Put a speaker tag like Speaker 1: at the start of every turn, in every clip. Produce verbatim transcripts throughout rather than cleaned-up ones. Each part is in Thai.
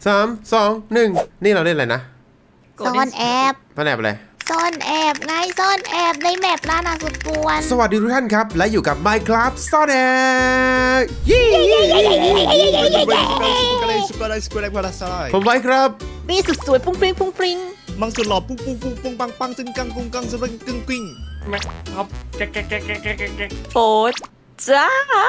Speaker 1: สามสองหนึ่งนี่เราเล่นอะไรนะ
Speaker 2: ซ่อนแอบ
Speaker 1: ซ่อนแอบอะไร
Speaker 2: ซ่อนแอบไงซ่อนแอบในแมปร้านอาหารสุดป่วน
Speaker 1: สวัสดีทุกท่านครับและอยู่กับ Minecraft ซ่อนแอบยี่ผมไว้ครับ
Speaker 2: มีสุดสวยฟุ้งฟริ้งฟุ้งฟริ้ง
Speaker 3: มังสุดหล่อปุ้งปุ้งปุ้งปุ้งปังปังจึงกังกุงกังสุดกึ่งกิ้ง
Speaker 4: ครับแกะแกะแกะแกะแกะแกะ
Speaker 2: โฟดจ้า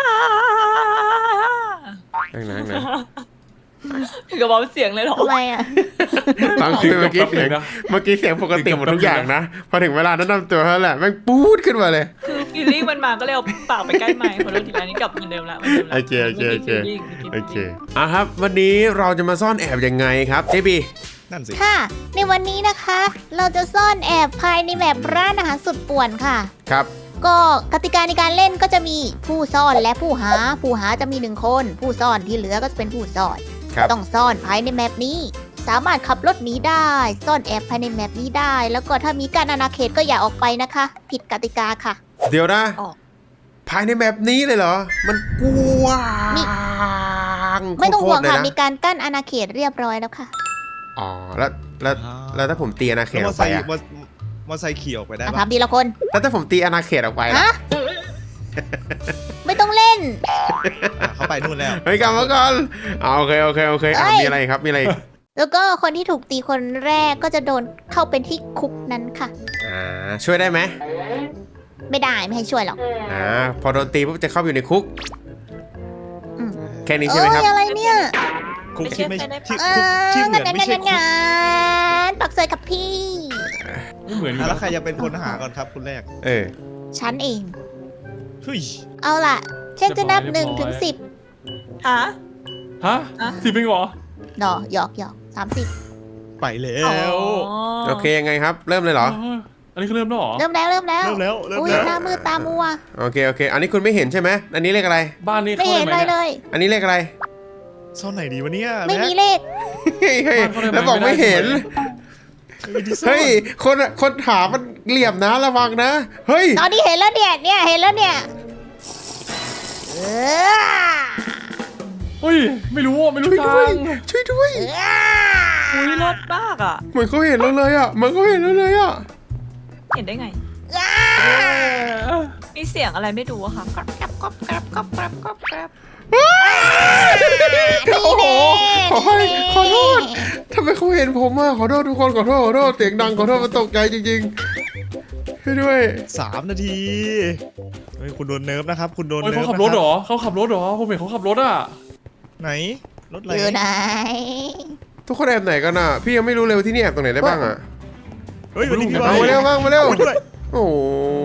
Speaker 1: นั่งนั่งนั่ง
Speaker 2: กระบอกเสียงเลยหรอทำไมอ่ะ
Speaker 1: ฟังคือเมื่อกี้เสียงเมื่อกี้เสียงปกติหมดทุกอย่างนะพอถึงเวลาแนะนำตัวเท่านั้นแหละแม่งปู๊ดขึ้นมาเลย
Speaker 5: คือฟีลลิ่งมันมาก็เลยเอาปากไปใกล้ไมค์พอโดนทีไรนี้กลับเหมือนเดิมละเหมือนเดิมละ
Speaker 1: โอเคโอเคโอเคโอเคอ่ะครับวันนี้เราจะมาซ่อนแอบยังไงครับเจบี
Speaker 3: นั่นสิ
Speaker 2: ค่ะในวันนี้นะคะเราจะซ่อนแอบภายในแมปร้านอาหารสุดป่วนค่ะ
Speaker 1: ครับ
Speaker 2: ก็กติกาในการเล่นก็จะมีผู้ซ่อนและผู้หาผู้หาจะมีหนึ่งคนผู้ซ่อนที่เหลือก็จะเป็นผู้ซ่อนต้องซ่อนภายในแมปนี้สามารถขับรถหนีได้ซ่อนแอบภายในแมปนี้ได้แล้วก็ถ้ามีการอาณาเขตก็อย่าออกไปนะคะผิดกติกาค่ะ
Speaker 1: เดี๋ยวนะภายในแมปนี้เลยเหรอมันกว้าง
Speaker 2: ไม่ต้องห่วงค่ะมีการกั้นอาณาเขตเรียบร้อยแล้วค่ะ
Speaker 1: อ๋อแล้วแล้วแล้วถ้าผมตีอาณาเขตออกไปอะ
Speaker 3: มอไซค์ขี่ออกไปได้ปะ
Speaker 2: ทำดีละคน
Speaker 1: แล้วถ้าผมตีอาณาเขตออกไปล่ะ
Speaker 2: ไม่ต้องเล่น
Speaker 3: เขาไปนู่นแล้ว
Speaker 1: เฮ้ยกลับมาก่อนอ๋อโอเคโอเคโอเคอ่ะมีอะไรครับมีอะไร
Speaker 2: แล้วก็คนที่ถูกตีคนแรกก็จะโดนเข้าเป็นที่คุกนั้นค่ะ
Speaker 1: อ่าช่วยได้ไหม
Speaker 2: ไม่ได้ไม่ให้ช่วยหรอก
Speaker 1: อ่าพอโดนตีปุ๊บจะเข้าไปอยู่ในคุกแค่นี้ใช่ไหมครับ
Speaker 2: อะไรเนี่ย
Speaker 3: คุกที่ไม่ที่
Speaker 2: ที่เหมือนไม่ใช่คุกปักเซยกับพี่
Speaker 4: ไม่เหมือน
Speaker 3: แล้วใครจะเป็นคนหาก่อนครับคุณแรก
Speaker 1: เออ
Speaker 2: ฉันเอง
Speaker 3: เฮ้ย
Speaker 2: เอาล่ะเช่นจะนับหนึ่งถึงสิบ
Speaker 5: ฮะ
Speaker 4: ฮะสิบเป็นเหรอ
Speaker 2: หนอหยอกหยอกสามสิบ
Speaker 3: ไปแล้ว
Speaker 1: โอเคยังไงครับเริ่มเลยเหรอ
Speaker 4: อันนี้คือเริ่มแล้วเหรอ
Speaker 2: เริ่มแล้วเริ่มแล้ว
Speaker 3: เริ่มแล้วเริ่ม
Speaker 2: อุ้ยหน้ามืดตามัว
Speaker 1: โอเคโอเคอันนี้คุณไม่เห็นใช่ไหมอันนี้เลขอะไร
Speaker 4: บ้านนี้
Speaker 2: ไม่เห็นเลยเลย
Speaker 1: อันนี้เลขอะไร
Speaker 3: ซ่อนไหนดีวะเนี่ย
Speaker 2: ไม่มีเลข
Speaker 1: แล้วบอกไม่เห็นเฮ้ยคนคนถามมันเหลี่ยมนะระวังนะเฮ้ย
Speaker 2: ตอนนี้เห็นแล้วเนี่ยเนี่ยเห็นแล้วเนี่ยเออ
Speaker 4: เฮ้ยไม่รู้ไม่รู้ทาง
Speaker 1: ช่วยด้วย
Speaker 5: อุ้ยรถมากอ่ะ
Speaker 1: เหมือนเขาเห็นเราเลยอ่ะเหมือนเขาเห็นเราเลยอ่ะ
Speaker 5: เห็นได้ไงมีเสียงอะไรไม่รู้อะค่ะกรับกรับกรับกรับกรับกรับกรับกรับ
Speaker 1: โอ้โหขอโทษขอโทษทำไมเขาเห็นผมอ่ะขอโทษทุกคนขอโทษขอโทษเสียงดังขอโทษมันตกใจจริงๆให้ด้วย
Speaker 3: สามนาทีเฮ้ยคุณโดนเนิร์ฟนะครับคุณโดนเนิร์ฟ
Speaker 4: เขาขับรถเหรอเขาขับรถเหรอผมเห็นเขาขับรถอ่ะ
Speaker 3: ไหนรถอะไร
Speaker 2: อยู่ไหน
Speaker 1: ทุกคนแอบไหนกันอ่ะพี่ยังไม่รู้เลยที่นี่แอบตรงไหนได้บ้างอ่ะ
Speaker 3: เฮ้ยวันนี้พี่
Speaker 1: มาเร็วบ้างมาเร็วโอ้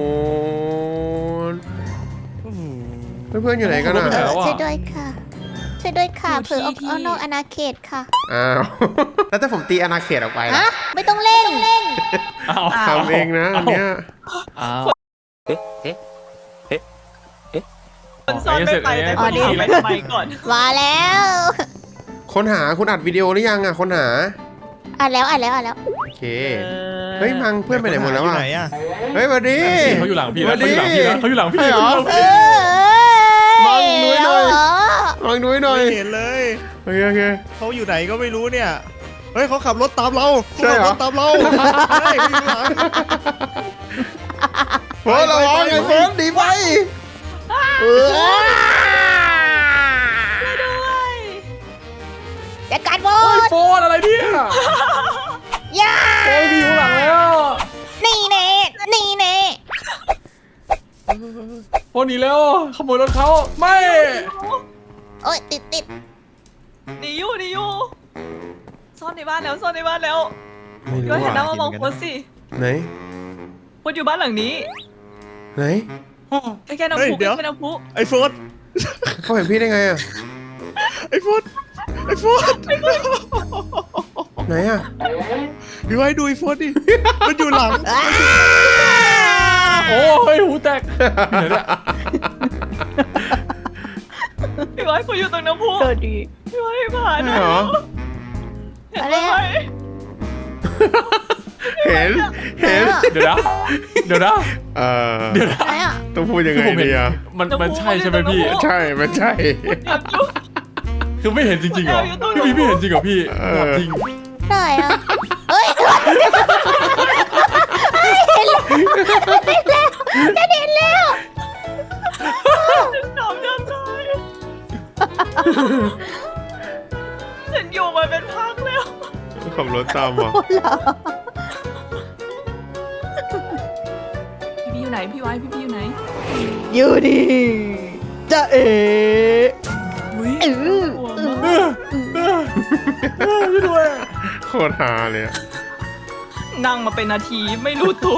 Speaker 1: เพื่อนๆอยู่ไหนกันอ่ะ
Speaker 2: ช่วยด้วยค่ะช่วยด้วยค่ะเผื่อออกนอกอาณาเขตค่ะ
Speaker 1: อ้าวแล้วถ้าผมตีอาณาเขตออกไปล่ะ
Speaker 2: ไม่ต้องเล่นเล่น
Speaker 1: ทำเองนะอันเนี้ย
Speaker 5: เอ๊ะเอ๊ะเอ๊ะเอ๊ะคนซ่อนไม่ไปแต่คนหาไปทำไมก่อน
Speaker 2: มาแล้ว
Speaker 1: คนหาคุณอัดวิดีโอหรือยังอ่ะคนหา
Speaker 2: อัดแล้วอัดแล้วอัดแล้ว
Speaker 1: โอเคเฮ้ยมังเพื่อนไปไหนหมดแล้วอ่ะเฮ้ยวันนี้
Speaker 4: เขาอยู่หลังพี่นะเขาอยู่หลังพี่นะเขาอยู่หลังพี่
Speaker 1: เหรอมังนุ้ยหน่อยมังนุ้ยหน่อย
Speaker 3: ไม่เห็นเลย
Speaker 1: โอเคโอเค
Speaker 3: เขาอยู่ไหนก็ไม่รู้เนี่ยเฮ้ยเขาขับรถตามเรา
Speaker 1: ใช่เหรอ
Speaker 3: ตามเราใช่อยู่หลัง
Speaker 1: โอ้ระวังไอ้เฟิร์สดีไป
Speaker 5: เออด้วย
Speaker 2: จัดการโบ
Speaker 4: นโฟนอะไรเนี่ย
Speaker 2: ย่า
Speaker 4: โอ้ยมีอยู่หลังแล้ว
Speaker 2: นี่เน่นี่เน่
Speaker 4: โฟนหนีแล้วขโมยรถเขาไม่
Speaker 2: โอ้ยติดติด
Speaker 5: หนีอยู่หนีอยู่ซ่อนในบ้านแล้วซ่อนในบ้านแล้ว
Speaker 1: ไม่รู้
Speaker 5: ก็เห็นแล้วว่ามองโพสสิ
Speaker 1: ไหน
Speaker 5: โพสอยู่บ้านหลังนี้
Speaker 1: ไหน
Speaker 5: ไอ้แค่น้ำพุไอ้แค่น้ำพุ
Speaker 3: ไอ้โฟน
Speaker 1: เขาเห็นพี่ได้ไงอ่ะ
Speaker 3: ไอ้โฟนไอ้โฟน
Speaker 1: ไหนอ่ะ
Speaker 3: ดูให้ดูไอ้โฟนดิมันอยู่หลัง
Speaker 4: โอ้ยหูแตกเดี๋ยวเนี่ย
Speaker 5: พี่ไว้เขาอยู่ตรงน้ำพุ
Speaker 2: ดี
Speaker 5: พี่ไว้ผ่าน
Speaker 1: เหรอ
Speaker 2: อะไร
Speaker 1: เห็นเห็น
Speaker 4: เดี๋ยวนะเดี๋ยวนะ
Speaker 1: เออ
Speaker 4: เดี๋ยวนะ
Speaker 1: ต้องพูดยังไงดีอ่ะ
Speaker 4: มันมันใช่ใช่ไหมพี่
Speaker 1: ใช่มันใช่
Speaker 4: คือคือไม่เห็นจริงๆเหรอพี่พี่ไม่เห็นจริงเหรอพี่ถามจริง
Speaker 2: ได้อะเฮ้ยเห็นแล้วเห็นแล้วเห็นแล้ว
Speaker 5: น้องจำได้ฉันอยู่มาเป็นพักแล้ว
Speaker 1: ขับรถตามมา
Speaker 5: พี่พี่อยู่ไหนพี่ไว้พี่พี่อยู่ไหน
Speaker 2: อยู่ดีจะเอ๋
Speaker 5: อุ้ย
Speaker 2: เออ
Speaker 5: กลัวมาก
Speaker 4: ไม่ด้วย
Speaker 1: โคตรฮาเลยอะ
Speaker 5: นั่งมาเป็นนาทีไม่รู้ตัว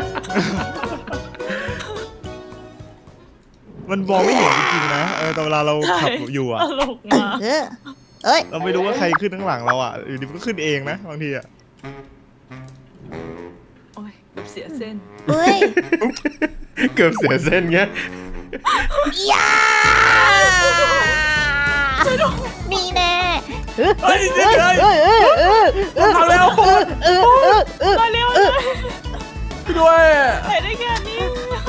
Speaker 3: มันมองไม่เห็นจริงๆนะเออแต่เวลาเราขับอยู่อะ
Speaker 5: ตลกมาก
Speaker 2: เออเอ้ย
Speaker 3: เราไม่รู้ว่าใครขึ้นข้างหลังเราอะอยู่ดีมันก็ขึ้นเองนะบางทีอะ
Speaker 5: โอ้ยเสียเส้น
Speaker 2: เฮ้ย
Speaker 1: เกือบเสียเส้นเงี้ย
Speaker 2: ยานี่แน่เฮ้ย
Speaker 3: เฮ้ย
Speaker 2: เฮ้ยเฮ้ยเฮ้ยเฮ้ย
Speaker 4: เอาแล้ว
Speaker 2: เออเออเออเออ
Speaker 5: มาเร็วเลย
Speaker 4: ด้วย
Speaker 5: ไปได้แค่นี้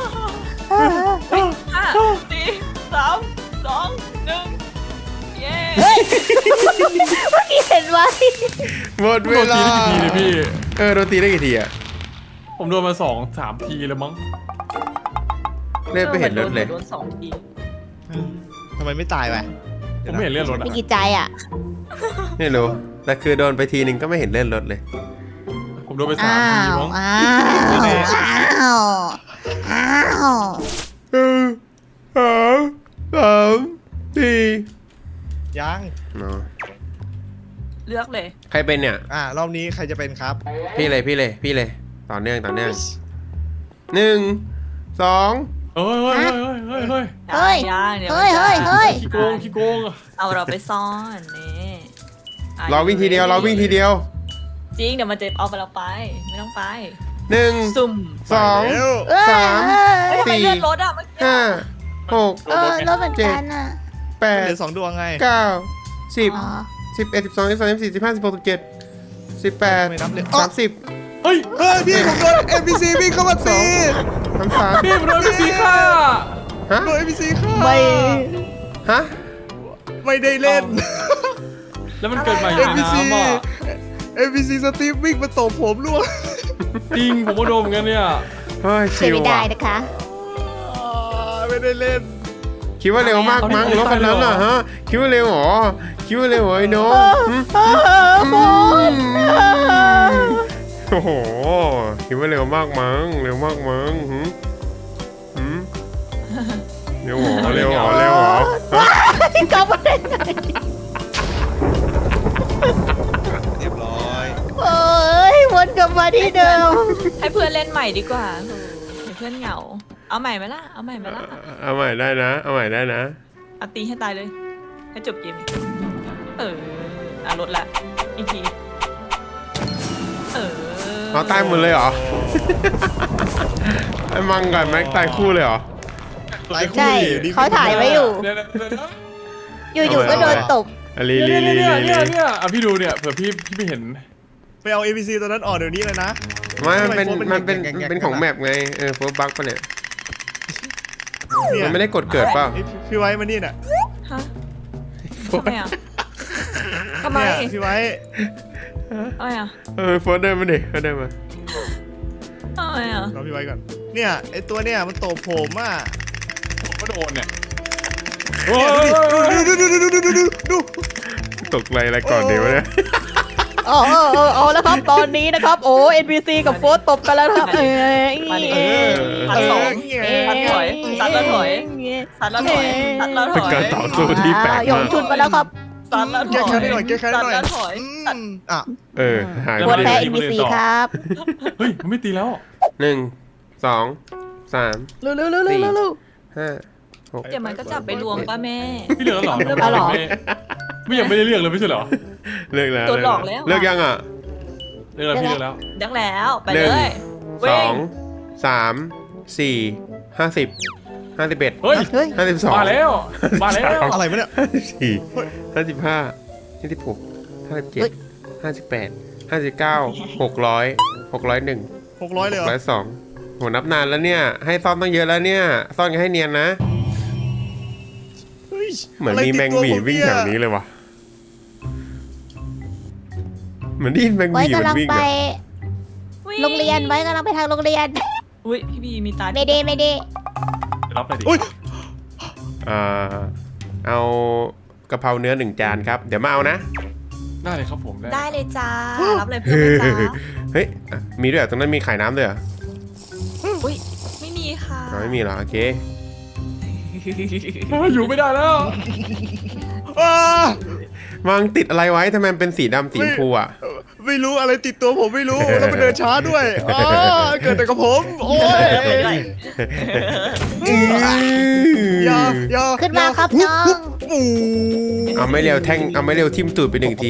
Speaker 5: ห้าสี่สามสองหนึ่งเย้
Speaker 2: เมื่อกี้เห็นไว้
Speaker 1: หมด
Speaker 4: โด
Speaker 1: เวน ลา
Speaker 4: ตีได้กี่ทีเนี่ยพี่
Speaker 1: เออโดนตีได้กี่ทีอะ
Speaker 4: ผมโดนมาสองสามทีแล้วมั้ง
Speaker 1: เล่นไม่เห็นรถเลย
Speaker 5: โดนสองที
Speaker 3: ทำไมไม่ตายไป
Speaker 4: ผมไม่เห็นเลื่อนรถอะ
Speaker 2: ไม่กี่ใจอ่ะ
Speaker 1: ไม่รู้แต่คือโดนไปทีนึงก็ไม่เห็นเลื่อนรถเลย
Speaker 4: ผมโดนไปสาม
Speaker 2: อ้า
Speaker 4: ที
Speaker 2: ว
Speaker 4: มั้ง
Speaker 2: อ้าวอ้าวอ้าว
Speaker 1: เออสามสามสี่
Speaker 3: ยัง
Speaker 1: เนาะ
Speaker 5: เลือกเลย
Speaker 1: ใครเป็นเนี่ย
Speaker 3: อ่ารอบนี้ใครจะเป็นครับ
Speaker 1: พี่เลยพี่เลยพี่เลยต่อเนื่องต่อเนื่องหนึ่งสอง
Speaker 4: เฮ้ยเฮ้ยเฮ้ยเฮ้ย
Speaker 2: เฮ้ย
Speaker 5: ย่างดี๋ว
Speaker 2: เฮ้ยเฮ้ยเฮ้ย
Speaker 4: ขี้โกงขี้โกงอะ
Speaker 5: เอาเราไปซ่อนนี่ะ
Speaker 1: เราวิ่งทีเดียวเราวิ่งทีเดียว
Speaker 5: จริงเดี๋ยวมันจะเอาไปเราไปไม่ต้องไป
Speaker 1: หนึ่ง
Speaker 5: ซุ่ม
Speaker 1: สอง
Speaker 3: เร็ว
Speaker 2: เอ้ย
Speaker 1: สาม
Speaker 5: เฮ้ยทำไม
Speaker 1: สี่
Speaker 5: เลื่อนรถอ่ะเมื่อกี้
Speaker 1: ห้าหก
Speaker 2: เออรถเหมือนกันอ่ะ
Speaker 1: แปด
Speaker 3: เหลือสองดวงไง
Speaker 1: เก้าสิบ
Speaker 2: อ๋อ
Speaker 1: สิบเอ็ดสิบสองสิบสามสิบสี่สิบห้าสิบหกสิบเจ็ดสิบแปด
Speaker 3: ไม่นับเลย
Speaker 1: สามสิบ
Speaker 4: เฮ้ย
Speaker 3: เฮ้ยพี่ผมโดน เอ็น พี ซี วิ่งเข้ามาตี
Speaker 1: สามสาม
Speaker 4: พี่ผมโดนพี่สีฆ่า
Speaker 1: ฮะ
Speaker 3: โดน เอ็น พี ซี ฆ่า
Speaker 2: ไม่
Speaker 1: ฮะ
Speaker 3: ไม่ได้เล่น
Speaker 4: แล้วมันเกิดใหม่ใน
Speaker 3: เอ็น พี ซี
Speaker 4: น้ำอ่ะ
Speaker 3: เอ็น พี ซี สตีฟวิ่งมาตบผมล่วง
Speaker 4: จริงผมก็โดนเหมือนกันเนี่ย
Speaker 1: เฮ้ย
Speaker 2: ช่วย
Speaker 1: ชิว
Speaker 2: ไม่ได้
Speaker 1: ว่ะ
Speaker 2: นะคะ
Speaker 3: ไม่ได้เล่น
Speaker 1: คิดว่าเร็วมากมั้งรถคันนั้นน่ะฮะคิดว่าเร็วเหรอคิดว่าเร็วเหรอไอ้น้องหึ
Speaker 2: บอล
Speaker 1: โอ้โหคิดว่าเร็วมากมั้งเร็วมากมั้งหึหึเร็วเหรอเร็วเหรอเร็วเหรอฮะ
Speaker 2: กลับมาได้ไง
Speaker 3: เรียบร้อย
Speaker 2: โอ้ยวนกลับมาที่เดิม
Speaker 5: ให้เพื่อนเล่นใหม่ดีกว่าเดี๋ยวเพื่อนเหงา เอาใหม่ไหมล่ะ เอาใหม่ไหมล่ะ
Speaker 1: เอาใหม่ได้นะเอาใหม่ได้นะ
Speaker 5: เอาตีให้ตายเลย ให้จบเกมนี้เอออ่ะลดละ อีกที เออ
Speaker 1: เอาตายหมดเลยเหรอไอ้มังกับแม็กตายคู่เลยเหรอ
Speaker 3: ตายคู่
Speaker 2: ใช่
Speaker 3: ดิ
Speaker 2: เขาถ่ายไว้อยู่
Speaker 4: เดี๋ยวเดี๋ยวเดี๋ยว
Speaker 2: อยู่ๆก็โดนตบ
Speaker 1: อะลี
Speaker 4: เดี๋
Speaker 1: ลี
Speaker 4: ยว
Speaker 1: ลี
Speaker 4: เนี่ย
Speaker 1: ลี
Speaker 4: เนี่ยเนี่ยอ่ะพี่ดูเนี่ยเผื่อพี่พี่ไม่เห็น
Speaker 3: ไปเอา เอ็น พี ซี ตัวนั้นออกเดี๋ยวนี้เลยนะ
Speaker 1: ไม่มันเป็น
Speaker 3: ทำไม
Speaker 1: มันเป็น
Speaker 3: แกะแกะแกะ
Speaker 1: เป็นของแมปไงเออโฟร์บักปะเนี่ย
Speaker 3: เนี่ย
Speaker 1: มันไม่ได้กดเกิดเปล่า
Speaker 3: ไอ้พี่ไว้มานี่น่ะ
Speaker 5: ฮะทำไมอ่ะทำไม
Speaker 3: เนี่ยพี่ไว้
Speaker 5: ทำไมอ่ะ
Speaker 1: เออโฟร์เดินมาดิโฟร์เดินมา
Speaker 5: ทำไมอ่ะ
Speaker 3: รอพี่ไว้ก่อน เนี่ยไอตัวเนี่ยมันตบผมอ่ะ
Speaker 4: ผมก็โดนเนี่ย
Speaker 3: เนี่ยดูดิดูดูดูดูดูดู
Speaker 1: ตกไรอะไรก่อนดีวะเนี่ย
Speaker 2: อ๋อเออเออเอาแล้วครับตอนนี้นะครับ โอ้ เอ็น พี ซี กับโฟสตบกันแล้วครับ เออ
Speaker 5: มาดิ
Speaker 2: เออ
Speaker 5: พันสอง
Speaker 3: เงี้ย
Speaker 5: พันถอยสัตว์แล้วถอยสัตว์แล้วถอยสัตว์แล้วถ
Speaker 1: เป็น
Speaker 5: อย
Speaker 1: การต่อสู้ที่แปลก
Speaker 2: หย
Speaker 1: มาง ก
Speaker 2: ชุดมาแล้วครับ
Speaker 5: สัตว์แล้วถ
Speaker 3: แก้
Speaker 5: อย
Speaker 3: แค้นได้หน่อยแก้แค้นได้หน่อย
Speaker 5: สัตว์แล้วถอย
Speaker 3: อื
Speaker 5: สัตว์
Speaker 3: มอ่ะ
Speaker 1: เออหาย
Speaker 2: โฟ
Speaker 1: ไป
Speaker 2: สแพ้ เอ็น พี ซี ครับ
Speaker 4: เฮ้ยมันไม่ตีแล้ว
Speaker 1: หนึ่งสองสาม
Speaker 2: เร็วเร็วเร็วเร็วเร็ว
Speaker 1: ห้าหก
Speaker 5: เดี๋ยวมันก็จับไปรวมป้าแม่
Speaker 4: พี่เลือกแล้วเหรอ
Speaker 2: เลือกแล้วเหรอ
Speaker 4: ไม่ไม่ยังไม่ได้เลือกเลยไม่ใช่เหรอ
Speaker 1: เลิกแล้ว
Speaker 5: โดนหลอกแล้ว
Speaker 1: เลิกยังอ่ะ
Speaker 4: เลือกแล้วพี่เลือกแล้ว
Speaker 5: ดังแล้วไป
Speaker 1: หนึ่
Speaker 5: เล
Speaker 1: ง
Speaker 5: ย
Speaker 1: สองสามสี่ห้าสิบห้าสิบเอ็ด
Speaker 4: เฮ้ย
Speaker 2: เฮ้ย
Speaker 1: ห้าสิบสอง
Speaker 4: มาแล้วมาแล้ว
Speaker 3: อะไรวะเนี่ย
Speaker 1: ห้าสิบสี่ห้าสิบห้าห้าสิบหกห้าสิบเจ็ดห้าสิบแปดห้าสิบเก้าหกร้อยหกร้อยหนึ่ง
Speaker 3: หกร้อยเลยเหรอ
Speaker 1: ร้อยสองโหนับนานแล้วเนี่ย ให้ซ่อนต้องเยอะแล้วเนี่ย ซ่อนกันให้เนียนนะ
Speaker 3: เฮ้ย
Speaker 1: เหมือนมีแมงหวีวิ่งแถวนี้เลยว่ะเหมือนได้ยินแมง
Speaker 2: ไว้
Speaker 1: วีมัน
Speaker 2: กำลัง
Speaker 1: วิ่ง
Speaker 2: ไป
Speaker 1: อะ
Speaker 2: โรงเรียนไว้กำลังไปทางโรงเรียน
Speaker 5: อุ้ยพี่บีมีตา
Speaker 2: ไม่ดีไม่ดี
Speaker 4: ไปรับเลยดิ
Speaker 3: อุ้ย
Speaker 1: อ่าเอากะเพราเนื้อหนึ่งจานครับเดี๋ยวมาเอานะ
Speaker 4: ได้เลยครับผมได้
Speaker 5: ได้เลยจ้ารับเลยเพื่อนเลยจ้า
Speaker 1: เฮ้ยอ่ะมีด้วยเหรอตรงนั้นมีขายน้ำด้วยเหรอ
Speaker 5: อุ้ยไม่มีค่ะ
Speaker 1: อ๋อไม่มีเหรอโอเค
Speaker 4: อยู่ไม่ได้แล้ว
Speaker 3: อ้า
Speaker 1: มังติดอะไรไว้ทำไมมันเป็นสีดำสีชมพูอ่ะ
Speaker 3: ไม่รู้อะไรติดตัวผมไม่รู้แล้วไปเดินช้าด้วยอ้าเกิดแต่กับผม โอ้ยอย่าอย่า
Speaker 2: ขึ้นมาครับน้อง
Speaker 3: อู้
Speaker 1: เอาไม่เร็วแท่งเอาไม่เร็วทิ่มตูดไปหนึ่งที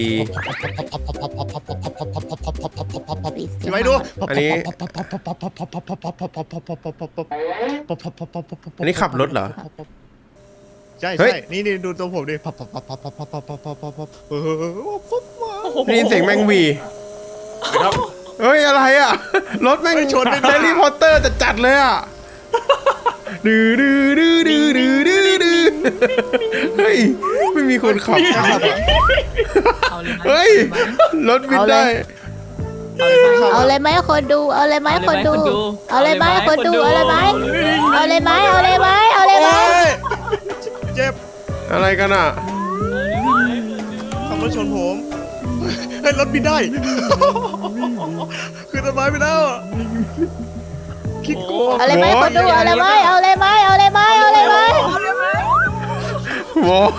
Speaker 3: พี่ไว้ดู
Speaker 1: อันนี้ อันนี้ขับรถเหรอ
Speaker 3: ใช่
Speaker 1: เฮ้
Speaker 3: ใช่
Speaker 1: ย
Speaker 3: นี่นี่ดูตัวผมดิพับพับพับพับพับพับพับพับพับพับพับเออปุ๊บมา
Speaker 1: ได้ยินเสียงแมงวี
Speaker 4: ครับ
Speaker 1: เฮ้ยอะไรอ่ะรถแม่งชนแฮร์รี่พอตเตอร์จะจัดเลยอ่ะดื้อดื้อดื้อดื้อดื้อดื้อดื้อเฮ้ยไม่มีคนขับ
Speaker 5: เอาเลยไหม
Speaker 1: เฮ้ยรถบินได้
Speaker 5: เอาเลยไหม
Speaker 2: เอาเลยไหมคนดู เอาเลยไหม
Speaker 5: เอา
Speaker 2: คน
Speaker 5: เลยไหม
Speaker 2: ดู
Speaker 5: คนดู
Speaker 2: เอาเลยไหมคนดู เอาเลยไหม
Speaker 5: เอา
Speaker 2: เอาเลยไหมเอาเลยไหมเอาเลยไหม
Speaker 3: โอ้ยเจ็บ
Speaker 1: อะไรกันอ่ะ
Speaker 3: ขับรถชนผมเฮ้ยรถบินได้คือต้นไม้ไปแล้วคิดโกง
Speaker 2: เอาเลยไหมคนดู เอาเลยไหมเอาเลยไหมเอาเลยไหมเอาเลยไหม
Speaker 1: วอด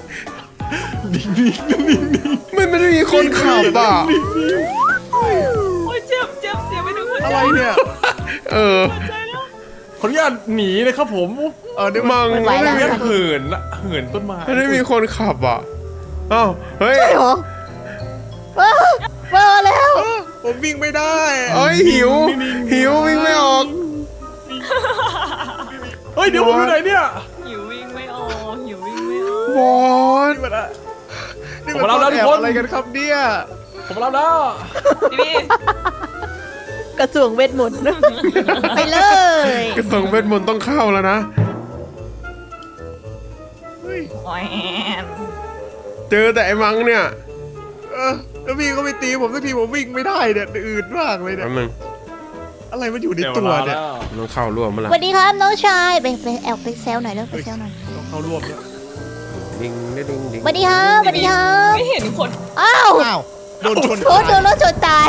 Speaker 1: มันไม่ได้มีคนขับอ่ะ
Speaker 5: โอ้ยเจ็บเจ็บเสียไปถึงหัว
Speaker 3: อะ
Speaker 5: ใจ
Speaker 3: ไรเนี่ย
Speaker 1: เออ
Speaker 4: ขออนุญาตหนีเลยครับผม
Speaker 3: เออเดี๋ยว
Speaker 1: มัง
Speaker 2: ไหว
Speaker 1: ไม่
Speaker 2: แล้ว
Speaker 1: ได้มี
Speaker 4: เหินละเหินต้นไม้
Speaker 1: ไม่ได้มีคนขับอ่ะอ้าวเฮ้ย
Speaker 2: ใช่เหรอว้าวว้าวแล้ว
Speaker 3: ผมวิ่งไม่ได้
Speaker 1: เอ้ยหิว หิววิ่งไม่ออก
Speaker 4: เฮ้ยเดี๋ยวผมอยู่ไหนเนี่ย
Speaker 5: หิววิ่งไม่ออกหิววิ่งไม่ออก
Speaker 1: วอด
Speaker 3: นี่มันอะนี่มันซ่อนแอบอะไรกันครับเนี่ย
Speaker 4: ผมรับแล้ว
Speaker 5: พี่บี
Speaker 2: กระทรวงเวทมนต์ไปเลย
Speaker 1: กระทรวงเวทมนต์ต้องเข้าแล้วนะ
Speaker 3: เฮ้ย
Speaker 5: โอ้ย
Speaker 1: เจอแต่ไอ้มังเนี่ย
Speaker 3: เออแล้วพี่ก็ไม่ตีผมสักทีผมวิ่งไม่ได้เนี่ยอืดมากเลยเนี่ย
Speaker 1: แป๊บนึง
Speaker 3: อะไรมันอยู่ใน
Speaker 4: เดี๋ยว
Speaker 3: ตัว
Speaker 4: มา
Speaker 3: เนี่ย
Speaker 4: แล้ว
Speaker 1: มันต้องเข้าร่วมมา
Speaker 2: ส
Speaker 1: ละ
Speaker 2: วัสดีครับน้องชายไปไปแอบไปแซวหน่อยเร็วไปแซวหน่อย
Speaker 3: ต้องเข้าร่วมเนี่ย
Speaker 1: ดิงดิงดิงดิง
Speaker 2: สวัสดีครับสวัสดีครับ
Speaker 5: ไม่เห็นคน
Speaker 2: อ้าว
Speaker 3: อ้าวโดนชน
Speaker 2: โอ้โดนรถชนตาย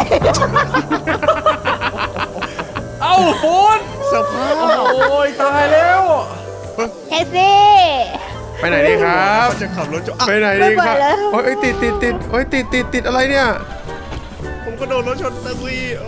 Speaker 4: เอ้าโฟน
Speaker 3: สภาพ
Speaker 4: โอ้ยตายแล้ว
Speaker 2: แท็กซี่
Speaker 1: ไปไหนดีครับ
Speaker 3: มันจะขับรถชน
Speaker 1: ไป
Speaker 3: อ่ะ
Speaker 1: ไหนดีครับโอ้ยติดติดติดโอ้ยติดติดติดอะไรเนี่ย
Speaker 3: ผมก็โดนรถชนตะกุยโอ้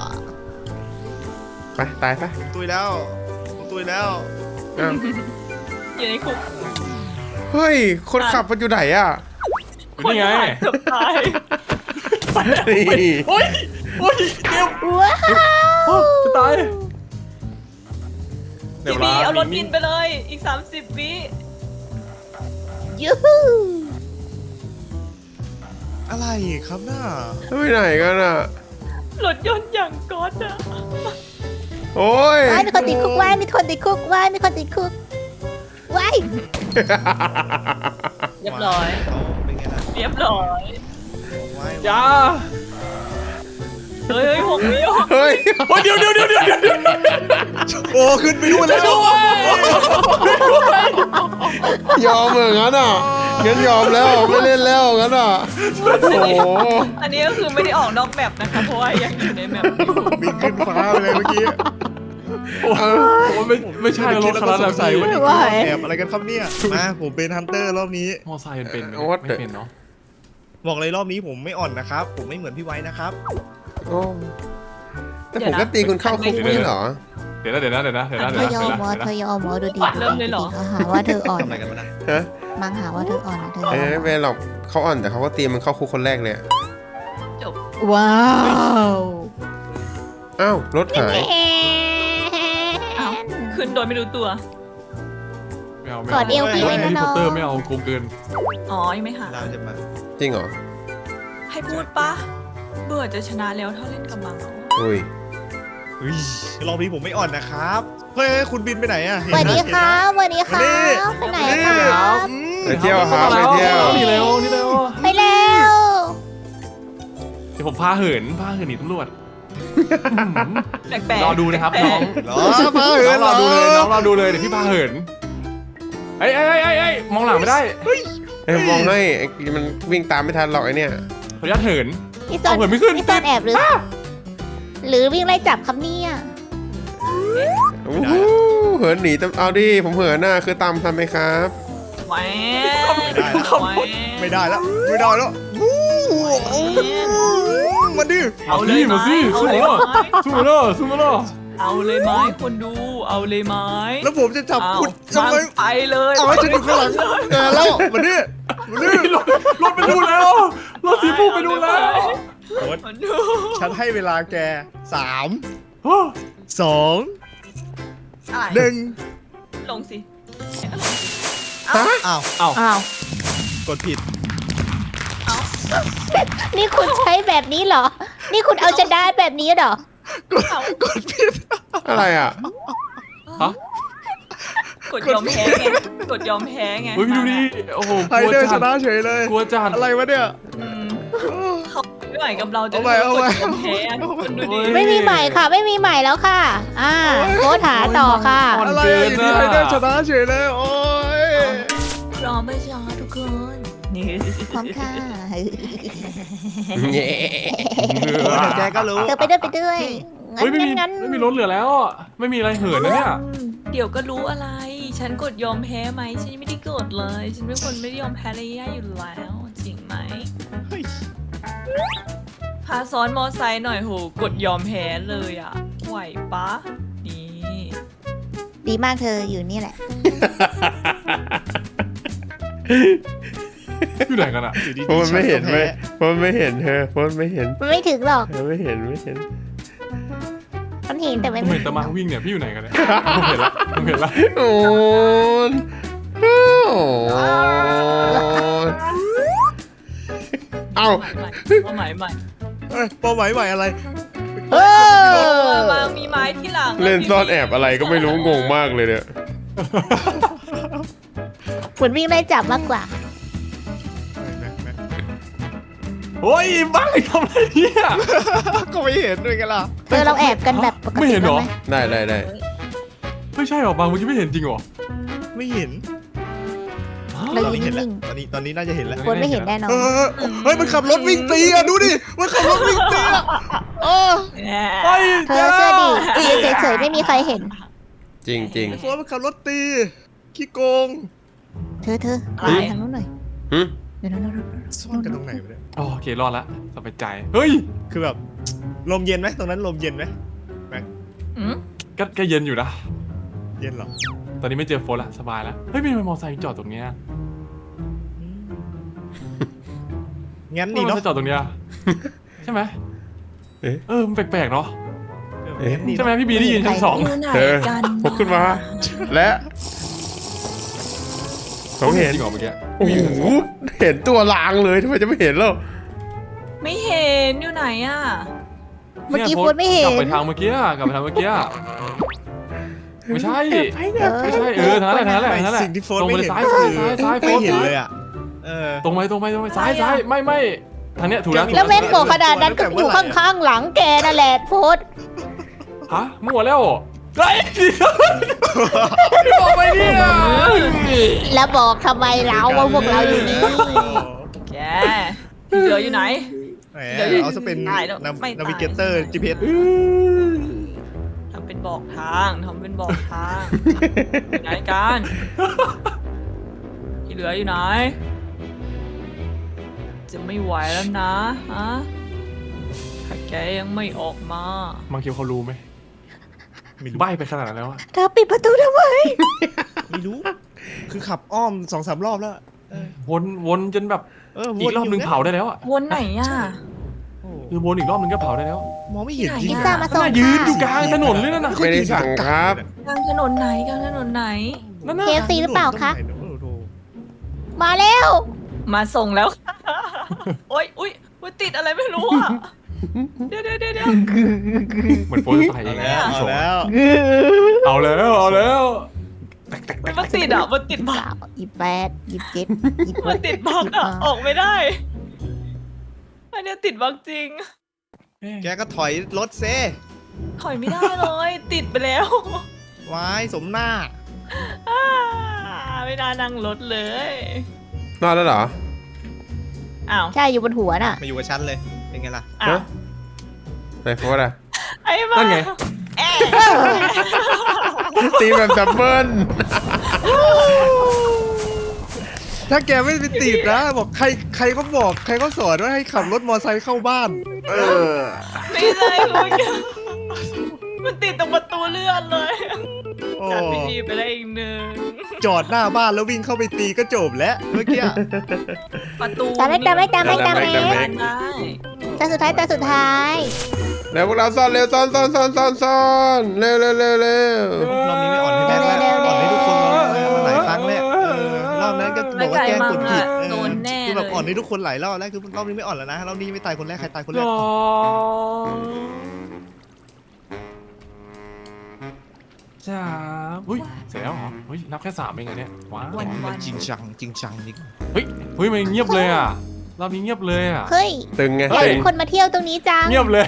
Speaker 1: ไปตายซะ
Speaker 3: ผมตุยแล้วผมตุยแล้ว
Speaker 1: อ้าว
Speaker 5: อยู่ในคุก
Speaker 1: เฮ้ย คนขับมันอยู่ไหนอ่ะ
Speaker 4: นี่ไง
Speaker 5: เกือบตาย
Speaker 1: นี่
Speaker 4: โอ้ยโอ้ยเดี๋ยว
Speaker 2: ว้าว
Speaker 4: จะตายเดี๋ยว
Speaker 5: พี่บี
Speaker 4: ล
Speaker 5: เอารถบินไปเลยอีกสามสิบวิ
Speaker 2: ยูฮู
Speaker 3: อะไรครับหน้า
Speaker 1: ไปไหนกันอ่ะ
Speaker 5: รถยนต์อย่างก๊อตอะ
Speaker 1: โอ้ย
Speaker 2: ว้ายมีคนติดคุกว้ายมีคนติดคุกว้ายมีคนติดคุกว้าย
Speaker 5: เรียบร้อย
Speaker 3: เขาเป็นไงล่ะ
Speaker 5: เรียบร้อย
Speaker 3: ไว้
Speaker 4: อย่า
Speaker 5: เฮ้ยเฮ้ยหกวิหก
Speaker 1: เฮ้ย
Speaker 4: โอ้ยเดี๋ยวเดี๋ยวเดี๋ยวเดี๋ยวเดี๋ยว
Speaker 3: โอ้ขึ้นไปดูนแล้ว
Speaker 1: ยอมเหมือนงั้นอ่ะงั้นยอมแล้วไม่เล่นแล้วงั้นอ่ะโอ้โห
Speaker 5: อันนี้ก็คือไม่ได้ออกนอกแมปนะคะเพราะว่ายังอยู่ในแมปอยู่
Speaker 3: บินขึ้นฟ้าไปเลยเมื่อกี้
Speaker 4: โอ้ยไม่ไม่ใช่รถคันนั้น
Speaker 3: ส
Speaker 4: แล้
Speaker 3: ง
Speaker 4: ว
Speaker 3: สัย
Speaker 4: พี่
Speaker 3: ว่านี่คือแอบอะไรกันครับเนี่ยมาผมเป็นฮันเตอร์รอบนี้
Speaker 4: มอไซค์มันเป็นไหมไม่เป็นเนาะ
Speaker 3: บอกเลยรอบนี้ผมไม่อ่อนนะครับ ผมไม่เหมือนพี่ไว้นะครับ
Speaker 1: โอ้แต่ผมก็ตีคุณเข้าคุกไม่ใช่เหรอ
Speaker 4: เดี๋ยวนะเดี๋ยวนะเดี๋ยวนะเดี๋ยวนะ
Speaker 2: เธ
Speaker 4: เดี๋ยว
Speaker 2: อย
Speaker 4: นะ
Speaker 2: อมหมอเธอยอมหมอดูดี
Speaker 5: เริ่มเลยเหรอ
Speaker 2: เขาหาว่าเธออ่อน
Speaker 3: ทำอะไรกันมานะ
Speaker 1: ฮะ
Speaker 2: มังหาว่าเธออ่อนเธอย
Speaker 1: เอ้
Speaker 2: อย ม
Speaker 1: ไม่เป็นหรอกเขาอ่อนแต่เขาก็ตีมันเข้าคุกคนแรกเลยอะ
Speaker 5: จบ
Speaker 2: ว้าว
Speaker 1: อ้าวรถหาย
Speaker 5: เอ้าขึ้นโดยไม่รู้ตัว
Speaker 4: ไม่เอาไม่
Speaker 2: กอดเอวพี่ไว้นะ
Speaker 4: แฮร์รี่
Speaker 2: น้
Speaker 4: พ
Speaker 2: อ
Speaker 4: อง ตเตอร์ไม่เอาโกงเกิน
Speaker 5: อ๋อยังไม่หา
Speaker 3: เราจะมา
Speaker 1: จริงเหรอ
Speaker 5: ให้พูดปะเบื่อจะชนะแล้วถ้าเล่นกับมังเอา
Speaker 1: อุ้ย
Speaker 3: เฮ้ยรอบนี้ผมไม่อ่อนนะครับเฮ้ยคุณบินไปไหนอะ
Speaker 2: สวัสดีครับสวัสดีครับไปไหนครับ
Speaker 1: ไปเที่ยวครับไปเที่ยว
Speaker 4: นี่เร็วนี่เร็ว
Speaker 2: ไปแล้ว
Speaker 4: เดี๋ยวผมพาเหินพาเหินหนีตำรวจ
Speaker 5: แปลกๆ
Speaker 4: รอดูนะครับน้อง
Speaker 3: เหรอพาเหิ
Speaker 4: น้อน ง
Speaker 3: เห
Speaker 4: ร
Speaker 3: ร
Speaker 4: อ
Speaker 3: อ
Speaker 4: ดูเลยน้องรอดูเลยเดี๋ยวพี่พาเหินไอ้ไอ้ไอ้ไอ้ไอ้มองหลังไม่ได้
Speaker 1: เอ้ยมองให้ไอ้มันวิ่งตามไม่ทันหรอกไอเนี่ย
Speaker 4: ขออนุญาตเหิน
Speaker 2: นี่ซ่อน
Speaker 4: เอาเหินไม่ขึ้น
Speaker 2: นี่ซ่อนแอบหรือ หรือวิ่งไล่จับครับเนี่ย
Speaker 1: โอ้โหเหินหนีตามเอาดิผมเหินน่ะคือตามทันไหมครับ
Speaker 5: แหวน
Speaker 3: ไม่ได้แล้วไม่ได้แล้ววู้มาดิ
Speaker 4: เอาสิมาสิสู้มาล่ะสู้มาล่ะสู้มาล่ะ
Speaker 5: เอาเลยไหมคนดู เอาเลยไหม
Speaker 3: แล้วผมจะจับ
Speaker 5: เอา
Speaker 3: คุณทำไม
Speaker 5: ไปเลย
Speaker 3: เอาให้ฉันอยู่ข้างหลังแกแล้วมาดิมาดิ
Speaker 4: รถรถไปดูแล้วรถสีฟูไปดูแล้ว
Speaker 5: คนดู
Speaker 3: ฉันให้เวลาแกสาม
Speaker 4: ฮะ
Speaker 3: สอง
Speaker 5: อะไร
Speaker 3: หนึ่ง
Speaker 5: ลงสิ
Speaker 3: อ้าว
Speaker 4: เอา
Speaker 2: อ้าว
Speaker 3: กดผิด
Speaker 2: นี่คุณใช้แบบนี้เหรอ นี่คุณเอาชนะแบบนี้เหรอ
Speaker 3: กดกดผิด
Speaker 1: อะไรอ่ะ
Speaker 4: ฮะ
Speaker 5: กดยอมแพ้ไง กดยอมแพ้ไง
Speaker 4: เฮ้ยพี่ดูดิโอ้โห
Speaker 3: ไฮ
Speaker 4: กลัว
Speaker 3: เดอร์ช
Speaker 4: จัด
Speaker 3: นะเฉยเลย
Speaker 4: กลัวจัด
Speaker 3: อะไรวะเนี่ย
Speaker 5: อืมเขาไม่ไหวกับเราจะ
Speaker 3: เอาไปเอาไป
Speaker 5: กดยอมแพ้อะคนดูดิ
Speaker 2: ไม่มีใหม่ค่ะ ไม่มีใหม่แล้วค่ะ อ่าโค้ดหาต่อค่ะ
Speaker 3: อะไรอะอยู่ดีไฮเดอร์ชนะเฉยเลยโอ้ย
Speaker 5: รอไม่ช้าทุกคน นี่
Speaker 2: พร้อมค่ะ
Speaker 1: เย้
Speaker 3: เดี๋ยวแกก็รู้
Speaker 2: เธอไปด้วยไปด้วย
Speaker 4: เฮ้ยไม่มี
Speaker 2: งั้น
Speaker 4: ไม่มีรถเหลือแล้วอะไม่มีอะไรเหินนะเนี่ย
Speaker 5: เดี๋ยวก็รู้อะไร ฉันกดยอมแพ้ไหม ฉันยังไม่ได้กดเลย ฉันเป็นคนไม่ได้ยอมแพ้อะไรง่ายๆอยู่แล้ว จริงไหม
Speaker 3: เฮ้ย
Speaker 5: พาซ้อนมอไซค์หน่อยโห กดยอมแพ้เลยอ่ะ ไหวปะ นี่
Speaker 2: ดีมากเธออยู่นี่แหละ
Speaker 4: อยู่ไหนกันอะ
Speaker 3: อยู่ดีๆ
Speaker 1: เพราะมันไม่เห็น
Speaker 3: ฉั
Speaker 1: ไหม
Speaker 3: ก็แพ้
Speaker 1: เพราะมันไม่เห็นเธอเพราะมันไม่เห็น
Speaker 2: มันไม่ถึงหรอก
Speaker 1: เธอไม่เห็นไม่เห็น
Speaker 2: มันเห็นแต่
Speaker 4: ผ
Speaker 2: ไม่
Speaker 4: ม
Speaker 2: ถึ
Speaker 4: เห็น
Speaker 2: ง
Speaker 4: ตะมังวิ่งเนี่ยพี่อยู่ไหนกันเนี่ยผมเห็นละผมเห็นละ
Speaker 1: โอ้ยโอ้ยเอ้า
Speaker 5: ใหม่ใหม่
Speaker 3: เอ้ยเป้าหมายใหม่อะไร
Speaker 2: เออ
Speaker 5: มามีไม้ที่หลัง
Speaker 1: เล่นซ่อนแอบอะไรก็ไม่รู้งงมากเลยเนี่ย
Speaker 2: เหมือนวิ่งไล่จับมากกว่า
Speaker 4: โอ้ยบ้าทำอะไรเนี่ย
Speaker 3: ก็ไม่เห็นด้วยกันล่ะ
Speaker 2: เธอเราแอบกันแบบปก
Speaker 4: ไม่
Speaker 2: ติ
Speaker 4: เห็นเหรอ
Speaker 2: ได้ไหม
Speaker 1: ได้ได้ได้
Speaker 4: ไม่ใช่หรอบางเมื่อกี้ไม่เห็นจริงเหรอ
Speaker 3: ไม่เห็น
Speaker 2: เรา
Speaker 3: ตอน
Speaker 2: ยื
Speaker 3: นี้
Speaker 2: น
Speaker 3: เห็นแล้ว
Speaker 2: นิ่ง
Speaker 3: ตอนนี้ตอนนี้น่าจะเห็นแล้ว
Speaker 2: ๆคนไม่เห็นแน่นอน
Speaker 3: เออเฮ้ยมันขับรถวิ่งตีอ่ะดูดิมันขับรถวิ่งตีอ่ะเออ
Speaker 5: แหม
Speaker 4: เฮ้ย
Speaker 2: เธอเชื่อดิยืนเฉยๆไม่มีใครเห็น
Speaker 1: จริงจริง
Speaker 3: โฟนมันขับรถตีขี้โกง
Speaker 2: เธอเธอ
Speaker 5: อะไร
Speaker 2: ไปทางนู้นหน่อย
Speaker 1: หึ
Speaker 2: เดี๋ยวนู้น
Speaker 3: ซ่อนกันตรงไหนวะเนี่ย
Speaker 4: โอเครอดละสบายใจเฮ้ย
Speaker 3: คือแบบลมเย็นไหมตรงนั้นลมเย็นไหม
Speaker 5: อืม
Speaker 4: ก็ก็เย็นอยู่นะ
Speaker 3: เย็นเหรอ
Speaker 4: ตอนนี้ไม่เจอโฟนละสบายแล้วเฮ้ยมีมอเตอร์ไซค์จอดตรงเนี้ย
Speaker 3: งั้น
Speaker 4: นี่
Speaker 3: นี่
Speaker 4: เนาะ
Speaker 3: เนาะ
Speaker 4: จอดตรงเนี้ยใช่ไหม
Speaker 1: เอ๊ะ
Speaker 4: เออมันแปลกๆเนาะ
Speaker 3: งั้นนี่
Speaker 4: ใช่ไหมพี่บีได้ยินชั้นสอง
Speaker 5: อยู่ไหน
Speaker 1: เธอ
Speaker 5: กัน
Speaker 1: พกขึ้นมา และผมเห็น
Speaker 4: จริงเหรอเมื่อกี้
Speaker 1: โอ้โหเห็นตัวลางเลยทำไมจะไม่เห็นแล้ว
Speaker 5: ไม่เห็นอยู่ไหนอ่ะ
Speaker 2: เมื่อกี้
Speaker 4: ย
Speaker 2: โฟนไม่เห็
Speaker 4: กลั
Speaker 2: น
Speaker 4: บไปทางเมื่อกี้อะกลับไปทางเมื่อกี้อะไม่ใช่
Speaker 2: เออ
Speaker 4: ไม่ใช่เออทางนั้นแหละทางนั้นแหละ
Speaker 3: ไม่
Speaker 4: ทางนั้นแหละ
Speaker 3: สิ่งที่โฟน
Speaker 4: ตรง
Speaker 3: ไม่
Speaker 4: ไปเลย
Speaker 3: เห็น
Speaker 4: ซ้าย
Speaker 3: ก็
Speaker 4: ซ้าย
Speaker 3: คือ
Speaker 4: ซ้ายซ้ายโฟ
Speaker 3: ไม่
Speaker 4: น
Speaker 3: เห็นเลยอ่ะเออ
Speaker 4: ตรงไปตรงไปตรงไปซ้ายซ้ายไม่ไม่ทางเนี้ยถูกแล้วถูก
Speaker 2: แล้ว
Speaker 4: แล้ว
Speaker 2: แม่งบอกขนาดนั้นก็อยู่ข้างๆหลังแกนั่นแหละโฟน
Speaker 4: ฮะมั่วแล้วไอ้บอกไปเนี่ย
Speaker 2: แล้วบอกทำไมเราว่าพวกเราอยู่นี่
Speaker 5: แกที่เหลืออยู่ไหน
Speaker 3: แหม
Speaker 5: เดี๋ยว
Speaker 3: เอาซะเป็น
Speaker 5: ตายแล้วไม่ตาย
Speaker 3: นาวิเกเตอร์ จี พี เอส
Speaker 5: ทำเป็นบอกทางทำเป็นบอกทางอยู่ไหนกันที่เหลืออยู่ไหน จะไม่ไหวแล้วนะฮะถ้าแกยังไม่ออกมา
Speaker 4: มังคิวเขารู้ไหม
Speaker 3: ไม่รู้
Speaker 4: ใบไปขนาดนั้นแล้วอะ
Speaker 2: เธอปิดประตูทำไม
Speaker 3: ไม่รู้ คือขับอ้อมสองสามรอบแล้วเออ
Speaker 4: วนวนจนแบบ
Speaker 3: เออ
Speaker 4: อีกรอบนึงเผาได้แล้วอะ
Speaker 5: วนไหนอ่ะ
Speaker 3: โอ้
Speaker 4: คือวนอีกรอบนึงก็เผาได้แล้ว
Speaker 3: มองไม่เห็นจริง
Speaker 2: พิซซ่ามาส่ง
Speaker 4: น่ายืนอยู่ก
Speaker 2: ค่ะ
Speaker 4: ลางถนนเลยนั่นน่ะ
Speaker 1: ไม่ได้สั่งครับ
Speaker 5: กลางถนนไหนกลางถนนไหน
Speaker 4: นั่นน่ะ
Speaker 2: เค ฟ ซี หรือเปล่าคะ
Speaker 3: ตรงไหนเนอะโอ้โห
Speaker 2: มาแล้ว
Speaker 5: มาส่งแล้ว โอ๊ยอุ๊ยอุ๊ยติดอะไรไม่รู้อ่ะ เดี๋ยวเดี๋ยวเดี๋ยวเดี๋ยว
Speaker 4: เหมือนโฟนจะตายเอ
Speaker 3: เอา
Speaker 4: ง
Speaker 3: แล้ว
Speaker 4: อะ
Speaker 3: เอาแล้ว
Speaker 4: เอาแล้วเอาแล้ว
Speaker 5: มันติดอ่ะ มันติดบัก
Speaker 2: สาวยี่แปดยี่สิบเจ็ดยี่สิบ
Speaker 5: มันติดบักอ่ะ ออกไม่ได้อันเนี้ยติดบั๊กจริง
Speaker 3: แกก็ถอยรถเซ
Speaker 5: ถอยไม่ได้เลย ติดไปแล้ว
Speaker 3: วายสมหน้า
Speaker 5: อ่าไม่น่านั่งรถเลย
Speaker 1: นอนแล้วเหรอ
Speaker 5: อ้าว
Speaker 2: ใช่อยู่บนหัวน่ะ
Speaker 3: มาอยู่กับฉันเลย เป็นไงล่ะ
Speaker 5: อ้าว
Speaker 1: ไหนโฟร์อะ
Speaker 5: ไอ้บ้า
Speaker 4: นั่นไง
Speaker 5: เอ๊ะ
Speaker 1: ตีแบบดับเบิ้ล
Speaker 3: ถ้าแกไม่ไปติดนะบอกใครใครก็บอกใครก็สอนว่าให้ขับรถมอเตอร์ไซค์เข้าบ้าน เออ
Speaker 5: ไม่ใช่เมื่อกี้มันติดตรงประตูเลื่อนเลย
Speaker 3: โอ้
Speaker 5: จัดพิธีไปได้อีกหนึ่ง
Speaker 3: จอดหน้าบ้านแล้ววิ่งเข้าไปตีก็จบแล้วเมื่อกี้
Speaker 5: ประตู
Speaker 2: ตามไม่ตามไม่ตามไม่ตามไม่
Speaker 5: ได้
Speaker 2: แต่สุดท้ายแต่สุดท้าย
Speaker 1: แล้วพวกเราซ่อนเร็วซ่อนซ่อนซ่อนซ่อนซ่อนเร็วเร็วเร็วเร็ว
Speaker 3: รอบนี้ไม่อ่อนให้แม่แล้วอ่อนให้ทุกคนแล้วมาหลายครั้งแล้วเออรอบนั้นก็บอกว่าแกล้งกดผิดเออ
Speaker 5: โดนแน่
Speaker 3: คือ
Speaker 5: เล
Speaker 3: แบบอ่อน
Speaker 5: ย
Speaker 3: ให้ทุกคนหลายรอบแล้วคือรอบนี้ไม่อ่อนแล้วนะรอบนี้ไม่ตายคนแรกใครตายคนแร
Speaker 4: ร
Speaker 3: ก
Speaker 4: อจ้าอุ้ยเสร็จแล้วเหรอเฮ้ยนับแค่สามเองเหรอเนี่ยว้าว
Speaker 5: วันวัน
Speaker 3: จริงจังจริงจังนี่
Speaker 4: เฮ้ยเฮ้ยมันเงียบเลยอ่ะรอบนี้เงียบเลยอ่ะ
Speaker 2: เฮ้ย
Speaker 1: ตึงไง
Speaker 2: อยาก
Speaker 1: ตึ
Speaker 2: เห็
Speaker 1: ง
Speaker 2: นคนมาเที่ยวตรงนี้จัง
Speaker 4: เงียบเลย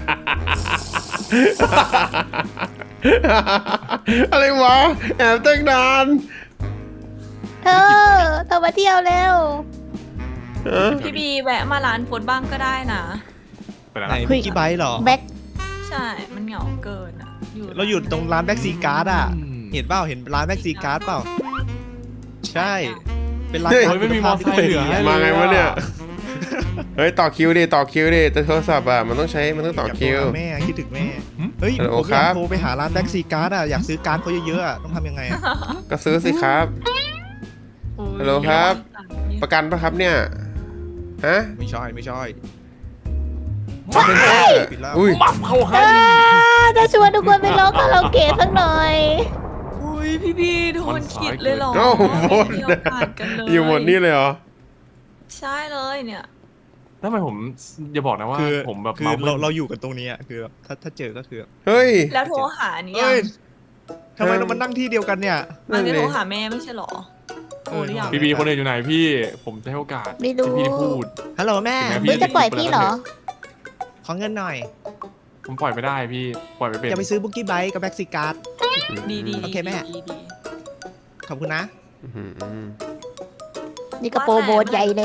Speaker 1: อะไรวะแอบตั้งนาน
Speaker 2: เธอ เธอมาเที่ยวเร็ว
Speaker 1: เออ
Speaker 5: พี่บีแวะมาร้านโฟดบ้างก็ได้นะ
Speaker 4: ไปแล้ว
Speaker 3: ไหน
Speaker 4: นะ
Speaker 3: เมื่อกี้ไบค์เหรอ
Speaker 2: แบ็ค
Speaker 5: ใช่ มันเหงาเกินอ่ะ
Speaker 3: เราอยู่ตรงร้านแบ็กซีการ์ดอ่ะเห็นเปล่าเห็นร้านแบ็กซีการ์ดเปล่าใช่ เป็นร้าน
Speaker 4: เฮ้ยไม่มีมอเตอร์ไซค์เหลือ
Speaker 1: มาไงวะเนี่ย เฮ้ยต่อคิวดิต่อคิวดิแต่โทรศัพท์อ่ะมันต้องใช้มันต้องต่อคิว
Speaker 3: ยากโทรหาแม่คิดถึงแม่เฮ้ย
Speaker 1: ฮัลโหล
Speaker 3: ผมอ
Speaker 1: ครั
Speaker 3: ยาก
Speaker 1: บ
Speaker 3: โทรไปหาร้านแบ็กซีการ์ดอ่ะอยากซื้อการ์ดเขาเยอะๆอ่ะต้องทำยังไงอ่ะ
Speaker 1: ก็ซื้อสิครับ ฮัลโหลครับ ประกันปะครับเนี่ยฮะ
Speaker 3: ไม่ใช่ไม่ใช่
Speaker 1: คอนเทนเตอร์
Speaker 3: ปิดแล้ว
Speaker 1: อุ้ย
Speaker 4: มับเข้าให้
Speaker 2: อ่าจะชวนทุกคนไปร้องคาราโอเกะสักหน่อย
Speaker 5: อุ้ยพี่บีโดนขิดเลยเหรอ
Speaker 1: โอ้โห
Speaker 5: ไม่มีโอกาสกันเลย
Speaker 1: อยู่หมดนี่เลยเหรอ
Speaker 5: ใช่เลยเนี่ย
Speaker 4: แล้วทำไมผมอย่าบอกนะว่า
Speaker 3: คือ
Speaker 4: ผมแบบ
Speaker 3: คือ
Speaker 4: เมา
Speaker 3: เราเราอยู่กันตรงนี้อ่ะคือแบบถ้าถ้าเจอก็คือ
Speaker 1: เฮ้ย
Speaker 5: แล้วโทรหานี่ยั
Speaker 3: เอ้
Speaker 5: ง
Speaker 3: ยทำไมเรามานั่งที่เดียวกันเนี่ย
Speaker 5: มันจะ
Speaker 1: นั่นดิ
Speaker 5: โทรหาแม่ไม่ใช่เหรอโทรหรือยัง
Speaker 4: พี่บีคนอื่นอยู่ไหนพี่ ผมจะให้โอกาส
Speaker 2: ไม่รู้
Speaker 4: ที่พี่ได้พูด
Speaker 3: ฮัลโหลแม่
Speaker 4: ถึงแม้
Speaker 2: เฮ้ยจะปล่อยพี่เหรอ
Speaker 3: ขอเงินหน่อย
Speaker 4: ผมปล่อยไม่ได้พี่ปล่อยไม่เป็น
Speaker 3: จะไปซื้อบุกกี้ไบค์กับแบ็กซีการ์ด
Speaker 5: ดีดี
Speaker 3: โอเคแม่
Speaker 5: ดีดี
Speaker 3: ขอบคุณนะ
Speaker 1: อื้อหือ
Speaker 2: นี่กระโปรงโบสใหญ่เลย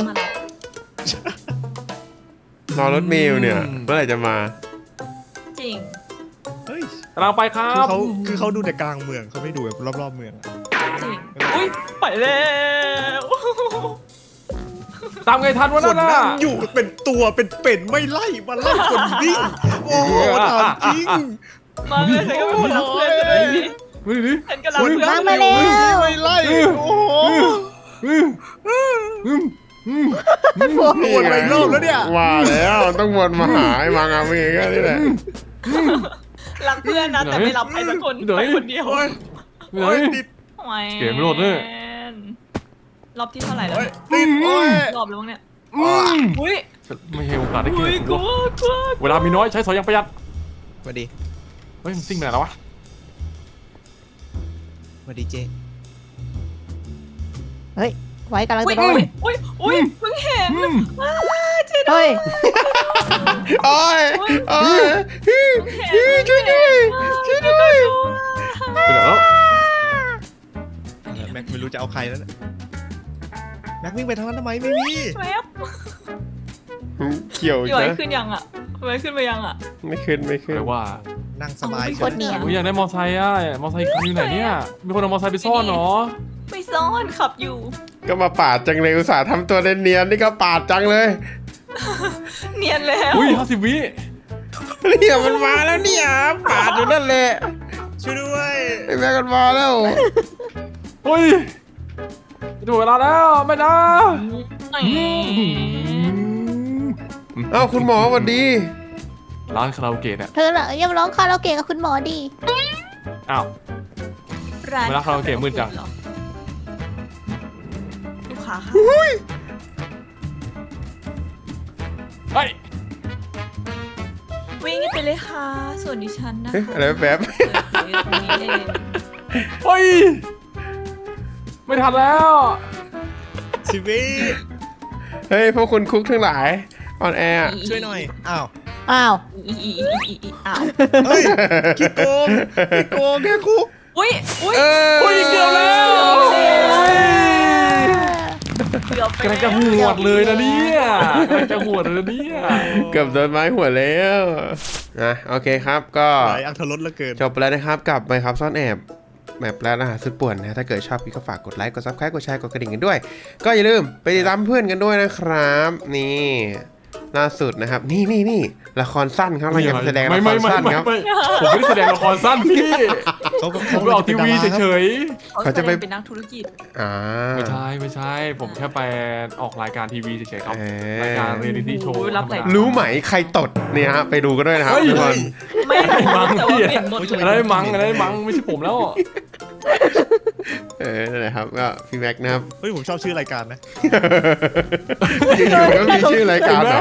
Speaker 1: รอรถเมล์เนี่ยเมื่อไหร่จะมา
Speaker 5: จริง
Speaker 3: เฮ้ย
Speaker 4: กำลังไปครั
Speaker 3: คือบ เขาคือเขาดูแต่กลางเมืองเขาไม่ดูแบบรอบๆเมืองอะ
Speaker 5: จริง อุ้ยไปแล้ว
Speaker 4: ตามไงทันวะ
Speaker 3: ค
Speaker 4: นั่
Speaker 3: น
Speaker 4: น
Speaker 3: นั่
Speaker 4: น่ะ
Speaker 3: งอยู่เป็นตัวเป็นเป็นไม่ไล่มาไล่คนวิ่งโอ้โหถามจริง
Speaker 5: มาเลยฉันก็เป็นคนรักเพื่อนเลย
Speaker 4: ดูดิ
Speaker 5: ฉันก็รัก
Speaker 3: คน
Speaker 5: เพื่อน
Speaker 2: มามาแล้ว
Speaker 3: ไม่ไล่โอ้โห
Speaker 4: อืมอืมอืมอืม
Speaker 3: วนไปรอบแล้วเนี่ย
Speaker 1: ว่าแล้วต้องวนมาหาไอ้มางาเมงก็นี่แหละ
Speaker 5: รักเพื่อนนะแต่ไม่รับใครสักคนไปคนเดียว
Speaker 3: โอ้ย
Speaker 4: ไหน
Speaker 3: โอ้ยติด
Speaker 5: โอ้ย
Speaker 4: เกมไม่โหลดเลย
Speaker 5: รอบที่เท่าไหร่แล้ว
Speaker 3: โอ้ยติดโอ้ย
Speaker 5: รอบแล้วมั้งเนี่ย
Speaker 4: อืม
Speaker 5: อุ้ย
Speaker 4: ไม่ให้โอกาสได้กิน
Speaker 5: อุ้ยกลัวกลัว
Speaker 4: เวลามีน้อยใช้สอยอย่างประหยัด
Speaker 3: สวัสดี
Speaker 4: เฮ้ยมันซิ่งไปไหนแล้ววะ
Speaker 3: สวัสดีเจ
Speaker 2: ไว้กำลัง
Speaker 5: อุ้ย
Speaker 2: จะโด
Speaker 5: อุ้
Speaker 2: น
Speaker 5: ยอุ้ยอุ้ยเพิ่งเห็น
Speaker 4: อืม
Speaker 2: เฮ้ย
Speaker 1: โอ้ยโอ้ย
Speaker 5: เห็นช่วยด้วยช่วยด้วย
Speaker 4: ไปไหนแล้ว
Speaker 3: แม็กไม่รู้จะเอาใครแล้วเนี่ยแม็กวิ่งไปทางนั้นทำไมไม่มี
Speaker 5: แวบ
Speaker 1: เขียว
Speaker 5: พี่ไหว
Speaker 1: นะ
Speaker 5: ขึ้นยังอ่ะไหวขึ้นไปยังอ่ะ
Speaker 1: ไม่ขึ้นไม่ขึ้น
Speaker 4: แปลว่า
Speaker 3: นั่งสบาย
Speaker 2: โคตรเนียน
Speaker 4: ผมอยากได้มอไซค์อ่ะมอไซค์คันอยู่ไหนเนี่ยมีคนเอามอไซค์ไปซ่อนเหรอ
Speaker 5: ไปซ่อนขับอยู่
Speaker 1: ก็มาปาดจังเลยอุตส่าห์ทำตัวเนียนๆนี่ก็ปาดจังเลย
Speaker 5: เนียนแล้ว
Speaker 4: อุ้ยห้าสิบวิ
Speaker 1: เนี่ยมันมาแล้วเนี่ยปาดอยู่นั่นแหละ
Speaker 3: ช่วยด้วย
Speaker 1: ไอ้แม่กันมาแล้ว
Speaker 4: เฮ้ยจะหมดเวลาแล้วไม่นะ
Speaker 1: เอ้าคุณหมอสวัสดี
Speaker 4: ร้านคาราโอเกะเนี่ย
Speaker 2: เธอเหรอยังร้องคาราโอเกะกับคุณหมอดี
Speaker 4: อ้าว
Speaker 5: ร้าน
Speaker 4: เวลาคาราโอเกะมืดจัง
Speaker 5: ลูกค้าค่ะ
Speaker 4: เฮ้ย
Speaker 5: วิ่งไปเลยค่ะ ส่วนดิฉันนะ
Speaker 1: เอ๊ะ
Speaker 5: คะ
Speaker 1: อะไรแป๊บ
Speaker 5: เปิดเผยตรงนี้เอง
Speaker 4: เฮ้ยไม่ทันแล้ว
Speaker 3: ชีวิต
Speaker 1: เฮ้ยพวกคุณคุกทั้งหลายออนแอร์
Speaker 3: ช่วยหน่อยอ้าว
Speaker 2: อ้าว
Speaker 5: อีอีอีอีอีอ้าว
Speaker 3: เฮ้ยขี้โกงขี้โกงแค่คุก
Speaker 5: อุ้ยอุ้ย
Speaker 1: เออ
Speaker 4: โอ้ยเกือบแล้ว
Speaker 5: เกือบไป
Speaker 4: กำลังจะหวดเลยนะเนี่ยกำลังจะหวดเลยนะเนี่ย
Speaker 1: เกือบโดนไม้หัวแล้วนะโอเคครับก็
Speaker 3: หลายอัธรสเหลือเกิน
Speaker 1: จบไปแล้วนะครับกับไปครับซ่อนแอบแมปร้านอาหารสุดป่วนนะถ้าเกิดชอบพี่ก็ฝากกดไลค์กดซับสไครต์กดแชร์กดกระดิ่งกันด้วย ก็อย่าลืมไปติดตามเพื่อนกันด้วยนะครับนี่ล่าสุดนะครับนี่นี่นี่ละครสั้นครับเราจะไปแสดงละ
Speaker 4: ไม่
Speaker 1: ค
Speaker 4: ไม่
Speaker 1: ร
Speaker 4: ไม่
Speaker 1: สั้น
Speaker 4: ไม่
Speaker 1: ครับ
Speaker 4: ไม่ผมไม่ได้แสดงละครสั้นพี่
Speaker 3: เขาก็
Speaker 4: ผมไปออกทีวีเฉย
Speaker 5: เขาจะไปเป็นนักธุรกิจ
Speaker 1: อ่า
Speaker 4: ๆไม่ใช่ไม่ใช่ ผมแค่ไปออกรายการทีวีเฉยๆครับ
Speaker 1: เอ
Speaker 4: รายการเรียลิตี้โชว์
Speaker 5: โอ้ยรับหลาย
Speaker 1: รู้ไหมใครตดเนี่ยฮะไปดูกันด้วยนะครับ
Speaker 4: เฮ้ย
Speaker 1: ทุกคน
Speaker 5: ไม่รู้
Speaker 4: มั้ง
Speaker 5: แต่ว่า
Speaker 4: พี่
Speaker 5: เปลี่ยนหมดเลย
Speaker 4: อะไรมั้งอะไรมั้งไม่ใช่ผมแล้ว
Speaker 1: เออนั่นแหละครับก็พี่แม็กซ์นะครับ
Speaker 3: เฮ้ยผมชอบชื่อรายการนะ
Speaker 1: อยู่ๆก็มีชื่อรายการเหรอ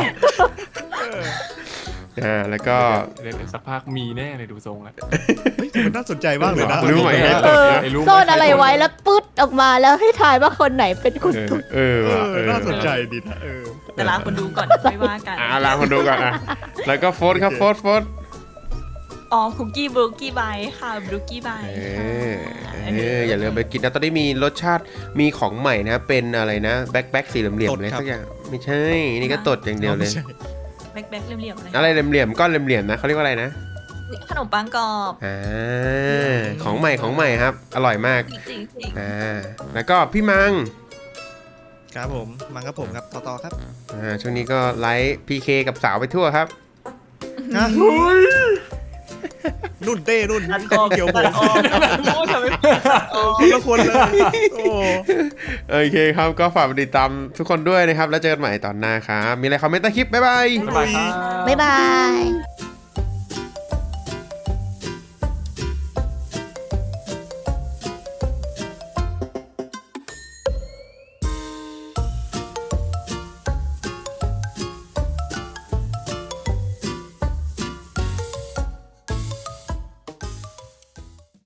Speaker 1: อ่าแล้วก็
Speaker 4: เดี๋ยวสักพักมีแน่เลยดูทรงแล้ว
Speaker 3: เฮ้ยมันน่าสนใจมากเลยนะ
Speaker 1: รู้ไหม
Speaker 4: เอ
Speaker 1: ใคร
Speaker 4: อ
Speaker 1: ต
Speaker 2: เอ
Speaker 1: ด
Speaker 2: อ
Speaker 1: นะ
Speaker 4: ไอ้รู้ไหม
Speaker 2: ซ่อนอะไรไว้แล้วปึ๊ดออกมาแล้วให้ทายว่าคนไหนเป็นคน
Speaker 1: เออ
Speaker 2: ตุด
Speaker 1: เออ
Speaker 3: เอ
Speaker 1: ว่ะ
Speaker 3: อ
Speaker 1: เออ
Speaker 3: น่าสนใจดีนะเออ
Speaker 5: แต่ลาคนดูก่อนไม่ว่ากัน
Speaker 1: อ่าลาคนดูก่อนอ่ะแล้วก็โฟร์ครับโฟร์โฟร์
Speaker 5: อ๋อคุกกี้บรูกี้ไบค่ะบรูกี้ไบ
Speaker 1: เออเอออย่าลืมไปกินนะตอนนี้มีรสชาติมีของใหม่นะเป็นอะไรนะแบ็คแบ็คสีเหลี่ยมๆเลยสักอย่างไม่ใช่นี่ก็ตดอย่างเดียวเลย
Speaker 3: ไม่ใช่
Speaker 5: แบ็คแบ็คเหลี่ยมๆเลย
Speaker 1: อะไรเหลี่ยมๆก้อนเหลี่ยมๆนะเขาเรียกว่าอะไรนะ
Speaker 5: ขนมปังกรอบ
Speaker 1: อ่าของใหม่ของใหม่ครับ อร่อยมาก
Speaker 5: จริงจริง
Speaker 1: อ่าแล้วก็พี่มัง
Speaker 3: ครับผมมังครับผมครับต่อต่อครับ
Speaker 1: อ่าช่วงนี้ก็ไลฟ์พีเคกับสาวไปทั่วครับ
Speaker 3: ฮะนุ่นเต้นุ่น
Speaker 5: ตัดออก
Speaker 3: เกี่ยวผ
Speaker 5: ตัด
Speaker 3: ม
Speaker 5: ออกโอ้ทำไมออก
Speaker 3: คนละคนเลยโอ้
Speaker 1: โอเคครับก็ฝากไปติดตามทุกคนด้วยนะครับ แล้วเจอกันใหม่ตอนหน้าครับ มีอะไรคอมเมนต์ใต้คลิป บ๊ายบาย
Speaker 4: บ๊ายบายครับ
Speaker 2: บ๊ายบาย